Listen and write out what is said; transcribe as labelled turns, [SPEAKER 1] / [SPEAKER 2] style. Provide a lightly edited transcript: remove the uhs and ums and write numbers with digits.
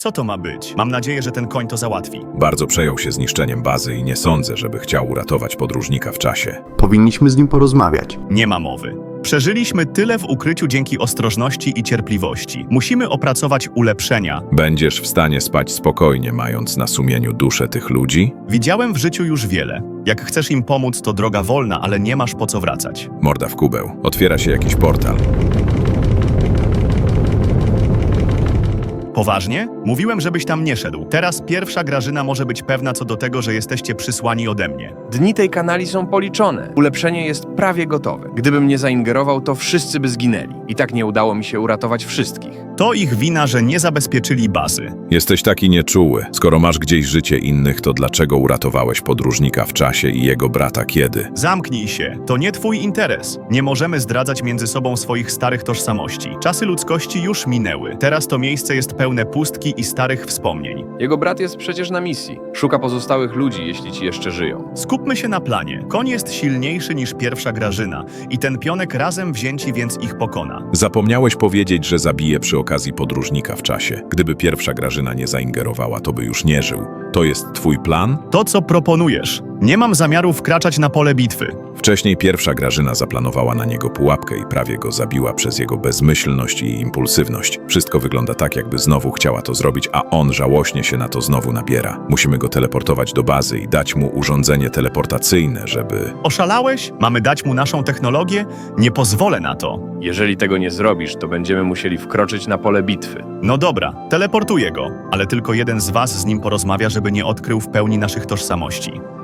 [SPEAKER 1] Co to ma być? Mam nadzieję, że ten koń to załatwi.
[SPEAKER 2] Bardzo przejął się zniszczeniem bazy i nie sądzę, żeby chciał uratować podróżnika w czasie.
[SPEAKER 3] Powinniśmy z nim porozmawiać.
[SPEAKER 1] Nie ma mowy. Przeżyliśmy tyle w ukryciu dzięki ostrożności i cierpliwości. Musimy opracować ulepszenia.
[SPEAKER 2] Będziesz w stanie spać spokojnie, mając na sumieniu duszę tych ludzi?
[SPEAKER 1] Widziałem w życiu już wiele. Jak chcesz im pomóc, to droga wolna, ale nie masz po co wracać.
[SPEAKER 2] Morda w kubeł. Otwiera się jakiś portal.
[SPEAKER 1] Poważnie? Mówiłem, żebyś tam nie szedł. Teraz pierwsza Grażyna może być pewna co do tego, że jesteście przysłani ode mnie.
[SPEAKER 4] Dni tej kanali są policzone. Ulepszenie jest prawie gotowe. Gdybym nie zaingerował, to wszyscy by zginęli. I tak nie udało mi się uratować wszystkich.
[SPEAKER 1] To ich wina, że nie zabezpieczyli bazy.
[SPEAKER 2] Jesteś taki nieczuły. Skoro masz gdzieś życie innych, to dlaczego uratowałeś podróżnika w czasie i jego brata kiedy?
[SPEAKER 1] Zamknij się. To nie twój interes. Nie możemy zdradzać między sobą swoich starych tożsamości. Czasy ludzkości już minęły. Teraz to miejsce jest pełne pustki i starych wspomnień.
[SPEAKER 4] Jego brat jest przecież na misji. Szuka pozostałych ludzi, jeśli ci jeszcze żyją.
[SPEAKER 1] Skupmy się na planie. Koń jest silniejszy niż pierwsza Grażyna i ten pionek razem wzięci więc ich pokona.
[SPEAKER 2] Zapomniałeś powiedzieć, że zabije przy okazji podróżnika w czasie. Gdyby pierwsza Grażyna nie zaingerowała, to by już nie żył. To jest twój plan?
[SPEAKER 1] To, co proponujesz. Nie mam zamiaru wkraczać na pole bitwy.
[SPEAKER 2] Wcześniej pierwsza Grażyna zaplanowała na niego pułapkę i prawie go zabiła przez jego bezmyślność i impulsywność. Wszystko wygląda tak, jakby znowu chciała to zrobić, a on żałośnie się na to znowu nabiera. Musimy go teleportować do bazy i dać mu urządzenie teleportacyjne, żeby...
[SPEAKER 1] Oszalałeś? Mamy dać mu naszą technologię? Nie pozwolę na to.
[SPEAKER 4] Jeżeli tego nie zrobisz, to będziemy musieli wkroczyć na pole bitwy.
[SPEAKER 1] No dobra, teleportuję go, ale tylko jeden z was z nim porozmawia, żeby nie odkrył w pełni naszych tożsamości.